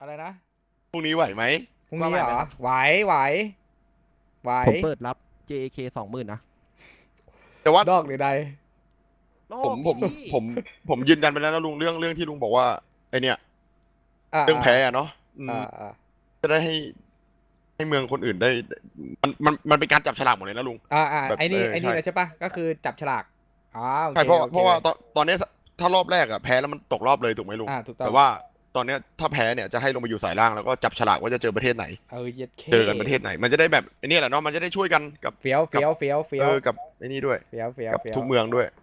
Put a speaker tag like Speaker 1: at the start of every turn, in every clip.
Speaker 1: อะไรนะ
Speaker 2: พรุ่งนี้ไหวไหม
Speaker 1: พรุ่งนี้เหรอไหวไหวไหว
Speaker 3: ผมเปิดรับ JK 20,000นะ
Speaker 2: แต่ว่า
Speaker 1: ดอกหรือใด
Speaker 2: ผมผมผมผมยืนยันไปแล้วนะลุงเรื่องที่ลุงบอกว่าไอเนี่ย
Speaker 1: อ่า
Speaker 2: เรื่องแพ้อะเนาะ
Speaker 1: อ่า
Speaker 2: จะได้ให้เมืองคนอื่นได้มันเป็นการจับฉลากหมดเลยนะลุงแบบ
Speaker 1: ไอ้นี่
Speaker 2: ใช่
Speaker 1: เลยใช่ปะก็คือจับฉลากอ๋อโอเค
Speaker 2: ใช่เพราะ
Speaker 1: โอเค
Speaker 2: เพราะว่าตอนนี้ถ้ารอบแรกอะแพ้แล้วมันตกรอบเลยถูกไหมลุง
Speaker 1: ถูกต้อง
Speaker 2: แต่ว่าตอนเนี้ยถ้าแพ้เนี่ยจะให้ลงไปอยู่สายล่างแล้วก็จับฉลากว่าจะเจอประเทศไหน
Speaker 1: เย็ดเค
Speaker 2: เจอกันประเทศไหนมันจะได้แบบไอ้นี่แหละเนาะมันจะได้ช่วยกันกับ
Speaker 1: เฟี้ยวเฟี้ยวเฟี้ยวเฟี้ยว
Speaker 2: กับไอ้นี่ด้วย
Speaker 1: เฟี้ยวเฟี้ยว
Speaker 2: กับ
Speaker 1: เฟี้ยว
Speaker 2: ทุกเมืองด้วย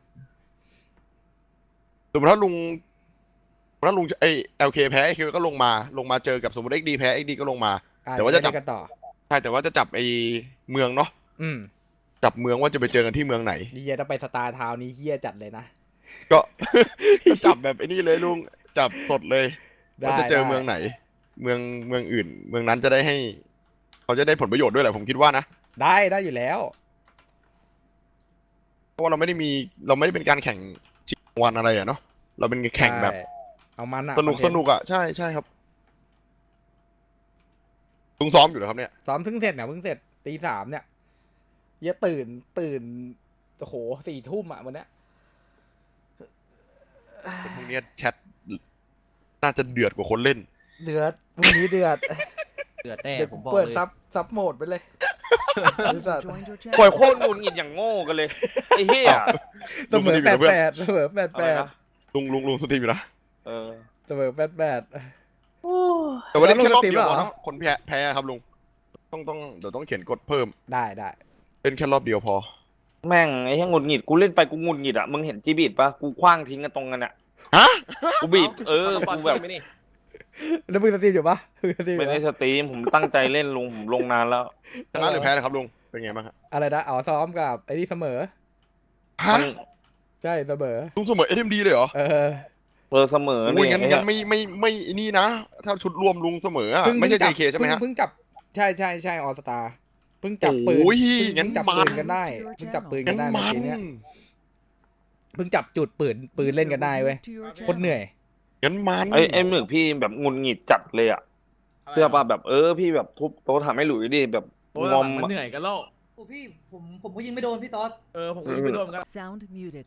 Speaker 2: สมมติถ้าลุงไอเอลเคแพ้ไอคิวก็ลงมาเจอกับสมมติเอ็กดีแพ้เอ็กดีก็ลงมาแต่ว่าจะจับ
Speaker 1: กันต่อ
Speaker 2: ใช่แต่ว่าจะจับไอเมืองเนาะ
Speaker 1: อืม
Speaker 2: จับเมืองว่าจะไปเจอกันที่เมืองไหน
Speaker 1: เฮียต้องไปสตาร์ทาวน์นี้เฮียจัดเลยนะ
Speaker 2: ก็ ก็จับแบบไอ้นี่เลยลุงจับสดเลยว่าจะเจอเมืองไหน เมืองอื่น เมืองนั้นจะได้ให้เขาจะได้ผลประโยชน์ด้วยแหละผมคิดว่านะ
Speaker 1: ได้อยู่แล้ว
Speaker 2: เพราะว่าเราไม่ได้เป็นการแข่งชิงรางวัลอะไรอะเนาะเราเป็นแข่งแบบ
Speaker 1: ใช่เอามันอะ
Speaker 2: สนุกอะใช่ครับลุงซ้อมอยู่เหรอครับเนี่ย
Speaker 1: ซ้อมเพิ่งเสร็จตี 3เนี่ยเฮียตื่นโอ้โห4 ทุ่มอะวันเนี้ย
Speaker 2: พวกเนี้ยแชทน่าจะเดือดกว่าคนเล่น
Speaker 1: เดือดพรุ่งนี้เดือด
Speaker 3: เดือดแน่
Speaker 1: เดี๋ยว
Speaker 3: ผ
Speaker 1: กู
Speaker 3: มบอก
Speaker 1: เปิด
Speaker 3: เลย
Speaker 1: ซับโหมดไปเลย
Speaker 4: ปล่อยโคตรหงุดหงิดอย่างโง่กันเลยไอ้เหี้ย
Speaker 1: เสมอ
Speaker 2: ลุงก็ดีอยู่นะเพื่อน
Speaker 1: 88เสมอ
Speaker 4: อะไรนะ
Speaker 2: ลุงสตรีมอยู่นะ
Speaker 4: เออ
Speaker 1: เสมอ88
Speaker 2: แต่ว่าเล่นแค่รอบ
Speaker 1: แล้วลุงสตรีม
Speaker 2: เดียว
Speaker 1: เหรอ
Speaker 2: พอเนาะคนแพ้ครับลุงเดี๋ยวต้องเขียนกฎเพิ่ม
Speaker 1: ได้
Speaker 2: เล่นแค่รอบเดียวพอ
Speaker 4: แม่งไอ้เหี้ยหงุดหงิดกูเล่นไปกูหงุดหงิดอ่ะมึงเห็นจีบีดปะกูคว้างทิ้งกันตรงกันอ่ะ
Speaker 2: ฮะ
Speaker 4: กูบีบกูแบบ
Speaker 3: ไม่นี่
Speaker 1: แล้วมึงสตรีมอยู่ปะมึงสตรีมอ
Speaker 4: ไม่
Speaker 1: ยู่
Speaker 4: ได้
Speaker 1: ปะ
Speaker 4: สตรีมผมตั้งใจเล่นลุงผมลงนานแล้ว
Speaker 2: ชนะหรือแพ้นะครับลุงเป็นไงบ้างครับ
Speaker 1: อะไรนะอ๋อซ้อมกับไอ้นี่เสมอ
Speaker 2: ฮะ
Speaker 4: มัน
Speaker 1: ใช่เสมอ
Speaker 2: ลุงเสมอเอ็มดีเลยเหรอ
Speaker 1: เออ
Speaker 4: เสมอ
Speaker 2: โอ้ย
Speaker 4: เนี่ย
Speaker 2: งั้นไม่นี่นะ ถ้าชุดรวมลุงเสมออะไม่ใช่ JK ใช่ไหมฮะ
Speaker 1: เพิ่งจับใช่ออสตาเพิ่งจับปืน
Speaker 2: โอ้ย
Speaker 1: เพิ่งจับ
Speaker 2: งั้น
Speaker 1: ปืนกันได้เพิ่งจับปืนกั
Speaker 2: งั้
Speaker 1: น
Speaker 2: น
Speaker 1: ได้
Speaker 2: มั
Speaker 1: เมื่อกี้
Speaker 2: น
Speaker 1: เนี้ยเพิ่งจับจุดปืนเล่นกันได้เว้ยโคตรเหนื่อย
Speaker 2: งั้นมัน
Speaker 4: ไอ้หมึกพี่แบบหงุดหงิดจัดเลยอ่ะเสื้อป่ะแบบพี่แบบทุบโต๊ะทำให้หลุยดิแบบ
Speaker 5: โอ้ย
Speaker 4: งอม
Speaker 5: มัน
Speaker 4: อะ
Speaker 5: เหนื่อยกันแล้ว
Speaker 6: โอ้พี่ผมก็ยิงไม่โดนพี่ต๊อด
Speaker 5: ผมก็ยิงไปโดนเหมือนกัน
Speaker 7: Sound muted.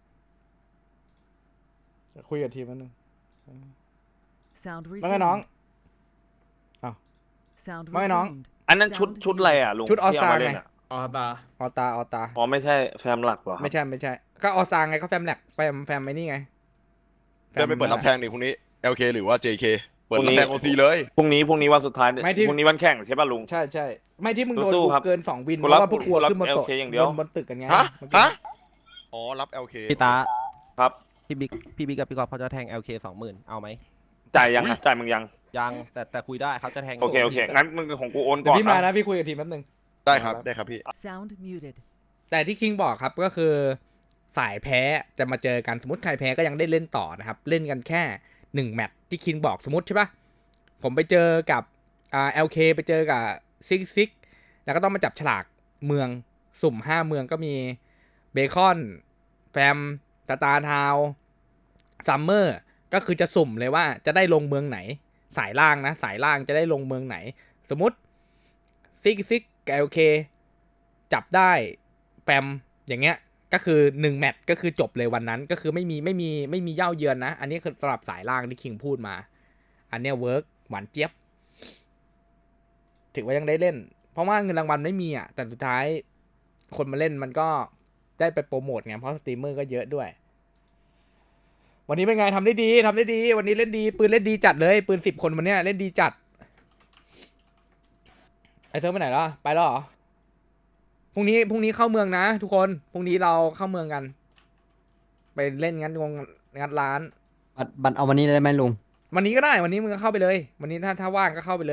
Speaker 1: คุยกับทีมมันนึง
Speaker 7: Sound
Speaker 1: ว่าไงน้อง
Speaker 7: resumed. Sound
Speaker 1: ไม่น้อง
Speaker 7: resumed.
Speaker 4: อันนั้นชุดอะไรอ่ะลุง
Speaker 1: ชุด All
Speaker 4: ที่เา
Speaker 1: Star
Speaker 4: มาเล่น
Speaker 1: ไง
Speaker 4: อะ
Speaker 5: อ๋อตา
Speaker 1: ออตา
Speaker 4: อ๋อไม่ใช่แฟมหลักเหรอครับ
Speaker 1: ไม่ใช่ก็ออสตาไงก็แฟมแลกแฟมไอ้นี่ไง
Speaker 2: เดินไปเปิดรับแทงดิพรุ่งนี้ LK หรือว่า JK เปิดรับแทง OC เลย
Speaker 4: พรุ่งนี้วันสุดท้าย
Speaker 1: ไม่ที่
Speaker 4: พรุ่งนี้วันแข่งใช่ป่ะลุง
Speaker 1: ใช่ไม่ที่มึงโดน
Speaker 4: สู้
Speaker 1: บุ
Speaker 4: ๆครับ
Speaker 1: กเกิน2 วินเพ
Speaker 4: กู
Speaker 1: ราะ
Speaker 4: รับ
Speaker 1: ว่าพวกกลัว
Speaker 4: กูรับ
Speaker 1: ขึ้นบนโต๊ะ
Speaker 4: LK อย่างเดียว
Speaker 1: บนตึกกันไง
Speaker 2: ฮะ
Speaker 1: เมื่อกี้
Speaker 2: อ๋อรับ LK
Speaker 3: พี่ตา
Speaker 4: ครับ
Speaker 3: พี่บิ๊กกับพี่กอล์ฟเขาจะแทง LK 20,000เอาไหม
Speaker 4: จ่ายยังอะจ่ายมึงยัง
Speaker 3: ยังแต่คุยได้เขาจะแทง
Speaker 4: โอเคงั้นมึงของกูโอน
Speaker 1: เดี๋ย
Speaker 4: ก่อ
Speaker 1: วน พี่มา
Speaker 4: นะ
Speaker 1: นะพี่คุยกับทีมแป๊บนึง
Speaker 2: ได้ครับพี่
Speaker 7: Sound muted.
Speaker 1: แต่ที่คิงบอกครับก็คือสายแพ้จะมาเจอกันสมมติใครแพ้ก็ยังได้เล่นต่อนะครับเล่นกันแค่1 แมตช์ที่คิงบอกสมมติใช่ปะผมไปเจอกับLK ไปเจอกับซิกแล้วก็ต้องมาจับฉลากเมืองสุ่ม5 เมืองก็มีเบคอนแฟมสตาร์ทาวซัมเมอร์ก็คือจะสุ่มเลยว่าจะได้ลงเมืองไหนสายล่างนะสายล่างจะได้ลงเมืองไหนสมมติซิกกับ LK จับได้แฟมอย่างเงี้ยก็คือ1 แมตช์ก็คือจบเลยวันนั้นก็คือไม่มีเย่าเยือนนะอันนี้คือสำหรับสายล่างที่คิงพูดมาอันเนี้ยเวิร์กหวานเจี๊ยบถือว่ายังได้เล่นเพราะว่าเงินรางวัลไม่มีอ่ะแต่สุดท้ายคนมาเล่นมันก็ได้ไปโปรโมทไงเพราะสตรีมเมอร์ก็เยอะด้วยวันนี้เป็นไงทำได้ดีวันนี้เล่นดีปืนเล่นดีจัดเลยปืน10 คนวันเนี้ยเล่นดีจัดไอเซิร์ฟไปไหนแล้วไปแล้วเหรอพรุ่งนี้เข้าเมืองนะทุกคนพรุ่งนี้เราเข้าเมืองกันไปเล่นงัดร้าน
Speaker 6: บัตรเอาวันนี้ได้ไหมลุง
Speaker 1: วันนี้ก็ได้วันนี้มึงก็เข้าไปเลยวันนี้ถ้าว่างก็เข้าไปเลย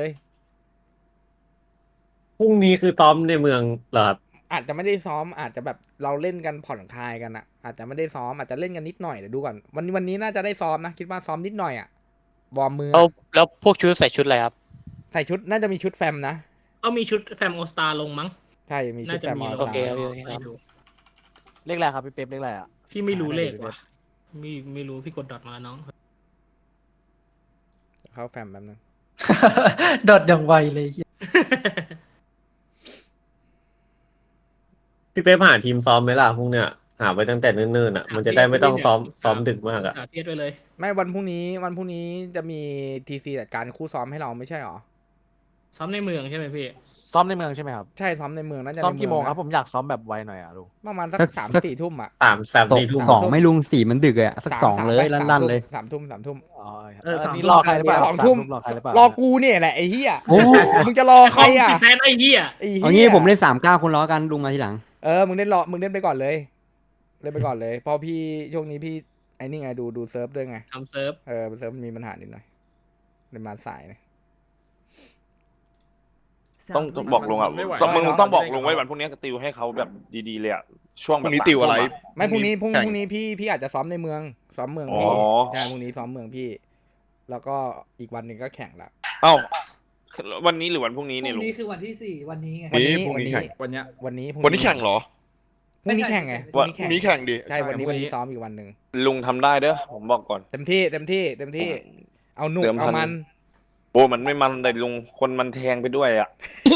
Speaker 8: พรุ่งนี้คือซ้อมในเมืองเหรอครับ
Speaker 1: อาจจะไม่ได้ซ้อมอาจจะแบบเราเล่นกันผ่อนคลายกันอะอาจจะไม่ได้ซ้อมอาจจะเล่นกันนิดหน่อยเดี๋ยวดูก่อนวันนี้น่าจะได้ซ้อมนะคิดว่าซ้อมนิดหน่อยอะวอร์มมืออะ
Speaker 8: แล้วพวกชุดใส่ชุดอะไรครับ
Speaker 1: ใส่ชุดน่าจะมีชุดแฟมนะ
Speaker 5: เอามีชุดแฟมโอสตาลงมั้ง
Speaker 1: ใช่มีชุ
Speaker 5: น่า
Speaker 1: ด
Speaker 5: จะ
Speaker 1: แฟม
Speaker 5: มี
Speaker 1: อ
Speaker 5: ล
Speaker 1: อง สตา
Speaker 8: โอเค
Speaker 1: ร์
Speaker 5: ไม่รู้
Speaker 3: เลขอะไรครับพี่เป๊ปเลขอะไรอ่ะ
Speaker 5: พี่ไม่รู้เลขว่ะไม่รู้พี่กดดอทมาน้อง
Speaker 1: เข้าแฟมแป๊บนึง
Speaker 5: ดอดอย่างไวเลยเหี้ย
Speaker 8: พี่เป๊ปหาทีมซ้อมไหมล่ะพวกเนี้ยหาไว้ตั้งแต่เนิ่นๆอ่ะมันจะได้ไม่ต้องซ้อมดึกมากอ่ะ
Speaker 5: สาเทียดไปเลย
Speaker 1: ไม่วันพรุ่งนี้จะมีทีซีจัดการคู่ซ้อมให้เราไม่ใช่หรอ
Speaker 5: ซ้อมในเมืองใช่ไหมพี่
Speaker 3: ซ้อมในเมืองใช่ไหมครับ
Speaker 1: ใช่ซ้อมในเมืองน่าจะ
Speaker 3: ซ้อม
Speaker 1: ใน
Speaker 3: กี่โมง
Speaker 1: นะ
Speaker 3: ครับผมอยากซ้อมแบบไวหน่อยอ่ะลุง
Speaker 1: ประมาณสัก
Speaker 6: สัก
Speaker 1: 3-4 ทุ่มอ่ะ
Speaker 8: สามสี่ทุ่ม
Speaker 6: สองไม่ลุงสี่มันดึกเลยอะสักสองเลยลั่นๆเลย
Speaker 1: 3 ทุ่ม
Speaker 3: อ๋อ
Speaker 5: สาม
Speaker 3: นี่รอใครหรือเปล่า
Speaker 1: สองทุ่ม
Speaker 3: รอใครหรือเปล่าร
Speaker 1: อกูเนี่ยแหละไอ้เหี้ย
Speaker 6: โอ้
Speaker 1: มึงจะรอใครอ่ะ
Speaker 5: ติดแฟนไอ้เหี้ย
Speaker 1: ไอ้
Speaker 6: เอา
Speaker 1: เหี้
Speaker 6: งี้
Speaker 1: ย
Speaker 6: ผมเล่น39คนล้อกันลุงมาทีหลัง
Speaker 1: มึงเล่นไปก่อนเลยเล่นไปก่อนเลยเพราะพี่ช่วงนี้พี่ไอ้นี่ไงดูเซิร์ฟด้วยไง
Speaker 5: ทำเซิร์ฟ
Speaker 1: เซิร์ฟมันมีปัญหานิดหน่อยเลยมาสายนะ
Speaker 4: ต้อง
Speaker 7: Sound
Speaker 4: บอกลุงอ่ะ
Speaker 7: resumed.
Speaker 4: ต้องมึงต้องบอกลุงไว้วันพรุ่งนี้ติวให้เขาแบบดีๆเลยอ่ะช่วง
Speaker 2: พ
Speaker 4: แบบ
Speaker 2: รุ่งนี้ติวอะไร
Speaker 1: ไม่พรุ่งนี้
Speaker 2: แข่
Speaker 1: พี่อาจจะซ้อมในเมืองซ้อมเมืองพี่ใช่พรุ่งนี้ซ้อมเมืองพี่ แล้วก็อีกวันหนึ่งก็แข่งละ
Speaker 4: เอ้าวันนี้หรือวันพรุ่งนี้
Speaker 6: พ
Speaker 4: เนี่ย
Speaker 6: รุ่
Speaker 4: ลุ
Speaker 6: ง
Speaker 4: ง
Speaker 6: นี้คือวันที่ 4 วันนี้ไง
Speaker 2: พรุ่งนี้แข่ง
Speaker 1: วันนี้
Speaker 2: วันนี้แข่งเหรอ
Speaker 1: พรุ่งนี้แข่งไง
Speaker 2: พรุ่งนี้แข่งดิ
Speaker 1: ใช่วันนี้ซ้อมอีกวันหนึ่ง
Speaker 4: ลุงทำได้เด้อผมบอกก่อน
Speaker 1: เต็มที่เอาหนุก
Speaker 4: เติม
Speaker 1: เอา
Speaker 4: พัน
Speaker 1: มัน
Speaker 4: โอ้มันไม่มันแต่ลุงคนมันแทงไปด้วยอ่ะ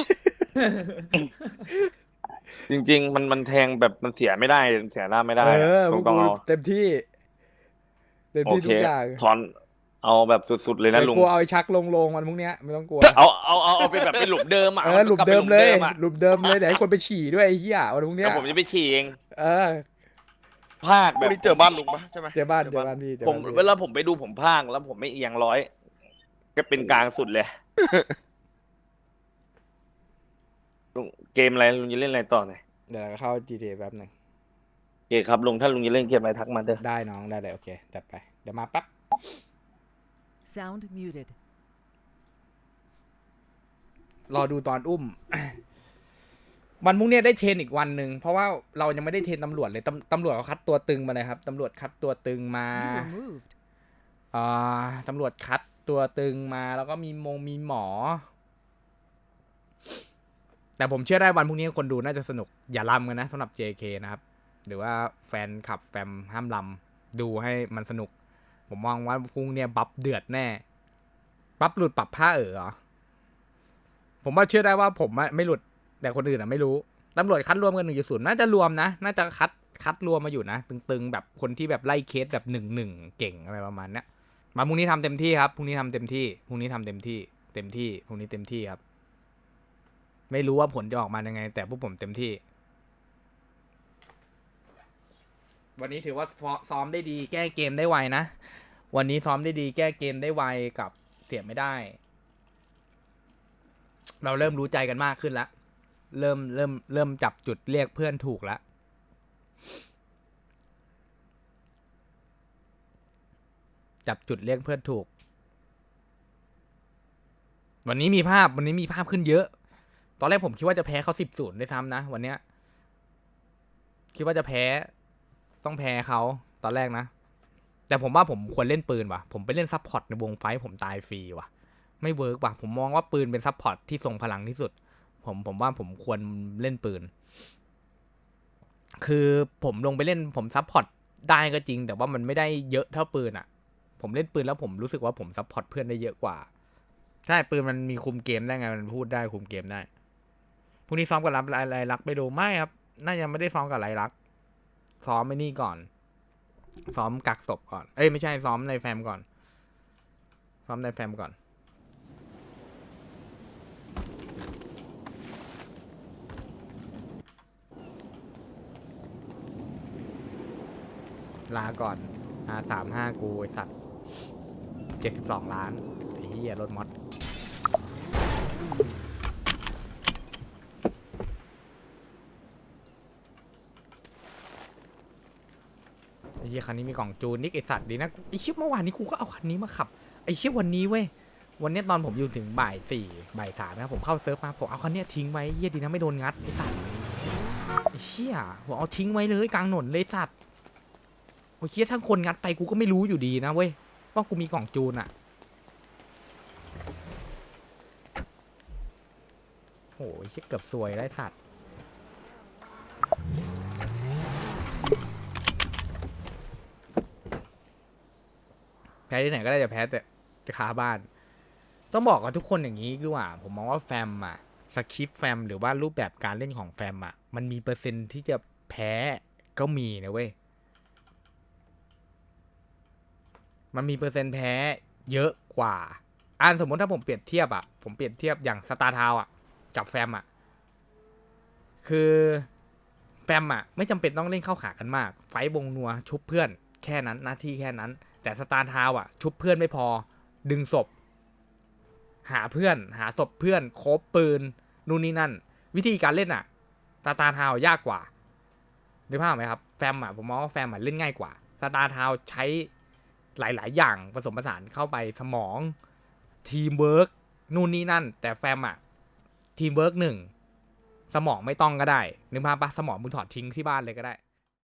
Speaker 4: จริง ๆ มันแทงแบบมันเสียไม่ได้เสียหน้าไม่ได้
Speaker 1: พวก
Speaker 4: ต้อง
Speaker 1: กู
Speaker 4: เอา
Speaker 1: เต็มที่
Speaker 4: โอ
Speaker 1: ทุ
Speaker 4: เค
Speaker 1: กอย่าง
Speaker 4: ถอนเอาแบบสุดๆเลยนะ
Speaker 1: เดี๋ยว
Speaker 4: ลุง
Speaker 1: กูเอาไอ้ชักลงวันพรุ่งเนี้ยไม่ต้องกลัว
Speaker 4: เอาเป็นแบบเป็นหลุมเดิมอ่ะ
Speaker 1: หลุม
Speaker 4: กบไป
Speaker 1: เดิมเลย
Speaker 4: อะ
Speaker 1: หลุมเดิมเลยเดี๋ยวให้คนไปฉี่ด้วยไอ้เหี้ยวันพรุ่งเนี้
Speaker 4: แล้
Speaker 1: ยว
Speaker 4: ผมจะไปฉี่เอง
Speaker 1: เออ
Speaker 4: ภาค
Speaker 2: พ
Speaker 4: แบ
Speaker 2: รุ่ง
Speaker 4: บ
Speaker 2: นี้เจอบ้านลุงปะใช่ไหม
Speaker 1: เจอบ้านพี่เจอ
Speaker 4: ผม
Speaker 1: บ้านพี่
Speaker 4: เวลาผมไปดูผมภาคแล้วผมไม่เอียงร้อยก็เป็นกลางสุดเลยลุงเกมอะไรลุงจะเล่นอะไรต่อหน่อย
Speaker 1: เดี๋ยวเราเข้า GTA แป๊บหนึ่ง
Speaker 4: โอเคครับลุงถ้าลุงจะเล่นเกมอะไรทักมาเด้อ
Speaker 1: ได้น้องได้เลยโอเคจัดไปเดี๋ยวมาปั๊บ
Speaker 7: Sound muted.
Speaker 1: รอดูตอนอุ้ม วันพรุ่งเนี้ยได้เทรนอีกวันหนึ่งเพราะว่าเรายังไม่ได้เทรนตำรวจเลยตำรวจเขาคัดตัวตึงมาเลยครับตำรวจคัดตัวตึงมา
Speaker 7: You were moved.
Speaker 1: ตำรวจคัดตัวตึงมาแล้วก็มีมีหมอ แต่ผมเชื่อได้วันพรุ่งนี้คนดูน่าจะสนุกอย่าลำกันนะสำหรับ JK นะครับ หรือว่าแฟนขับแฟมห้ามลำดูให้มันสนุก ผมมองว่าพรุ่งเนี้ยบัฟเดือดแน่บัฟหลุดปรับผ้าเหรอผมว่าเชื่อได้ว่าผมไม่หลุดแต่คนอื่นไม่รู้ตำรวจคัดรวมกัน1.0น่าจะรวมนะน่าจะคัดรวมมาอยู่นะตึงๆแบบคนที่แบบไล่เคสแบบ1-1เก่งอะไรประมาณเนี้ยมาพรุ่งนี้ทำเต็มที่ครับพรุ่งนี้ทำเต็มที่พรุ่งนี้ทำเต็มที่พรุ่งนี้เต็มที่ครับไม่รู้ว่าผลจะออกมายังไง แต่พวกผมเต็มที่ วันนี้ถือว่าซ้อมได้ดีแก้เกมได้ไวนะวันนี้ซ้อมได้ดีแก้เกมได้ไวกับเสียไม่ได้ เราเริ่มรู้ใจกันมากขึ้นแล้วเริ่มจับจุดเรียกเพื่อนถูกแล้วจับจุดเรียกเพื่อนถูกวันนี้มีภาพขึ้นเยอะตอนแรกผมคิดว่าจะแพ้เขา10-0ด้วยซ้ำนะวันเนี้ยคิดว่าจะแพ้ต้องแพ้เขาตอนแรกนะแต่ผมว่าผมควรเล่นปืนว่ะผมไปเล่นซัพพอร์ตในวงไฟท์ผมตายฟรีว่ะไม่เวิร์กว่ะผมมองว่าปืนเป็นซัพพอร์ตที่ทรงพลังที่สุดผมว่าผมควรเล่นปืนคือผมลงไปเล่นผมซัพพอร์ตได้ก็จริงแต่ว่ามันไม่ได้เยอะเท่าปืนอ่ะผมเล่นปืนแล้วผมรู้สึกว่าผมซัพพอร์ตเพื่อนได้เยอะกว่าใช่ปืนมันมีคุมเกมได้ไงมันพูดได้คุมเกมได้พรุ่งนี้ซ้อมกับไรลักไปดูไม่ครับน่าจะไม่ได้ซ้อมกับไรลักซ้อมไม่นี่ก่อนซ้อมกักศพก่อนไม่ใช่ซ้อมในแฟมก่อนซ้อมในแฟมก่อนลาก่อนR35กูไอสัตว์72 ล้านไอ้เหี้ยรถมอสไอ้เหี้ยคันนี้มีกล่องจูนนิกไอสัตว์ดีนะไอ้เชี่ยเมื่อวานนี้กูก็เอาคันนี้มาขับไอ้เชี่ยวันนี้เว้ยวันนี้ตอนผมอยู่ถึงบ่าย 4 บ่าย 3นะครับผมเข้าเซิร์ฟมาผมเอาคันนี้ทิ้งไว้เหี้ยดีนะไม่โดนงัดไอสัตว์ไอ้เชี่ยผมเอาทิ้งไว้เลยกลางถนนเลยสัตว์โอ้ยเชี่ยถ้าคนงัดไปกูก็ไม่รู้อยู่ดีนะเว้ยว่ากูมีกล่องจูนอะโอ้ยเชี่ยเกือบซวยได้สัตว์แพ้ที่ไหนก็ได้จะแพ้แต่คาบ้านต้องบอกกับทุกคนอย่างนี้ดีกว่าผมมองว่าแฟมอะสคริปต์แฟมหรือว่ารูปแบบการเล่นของแฟมอะมันมีเปอร์เซ็นต์ที่จะแพ้ก็มีนะเว้ยมันมีเปอร์เซ็นต์แพ้เยอะกว่าสมมติถ้าผมเปรียบเทียบอะผมเปรียบเทียบอย่างสตาร์ทาวอะกับแฟมอะคือแฟมอะไม่จำเป็นต้องเล่นเข้าขากันมากไฟท์วงนัวชุบเพื่อนแค่นั้นหน้าที่แค่นั้นแต่สตาร์ทาวอะชุบเพื่อนไม่พอดึงศพหาเพื่อนหาศพเพื่อนโคบปืนนู่นนี่นั่นวิธีการเล่นอะสตาร์ทาวยากกว่านึกภาพไหมครับแฟมอะผมมองว่าแฟมอะเล่นง่ายกว่าสตาร์ทาวใช้หลายๆอย่างผสมผสานเข้าไปสมองทีมเวิร์กนู่นนี่นั่นแต่แฟมอะทีมเวิร์ก1สมองไม่ต้องก็ได้นึกภาพปะสมองมึงถอดทิ้งที่บ้านเลยก็ได้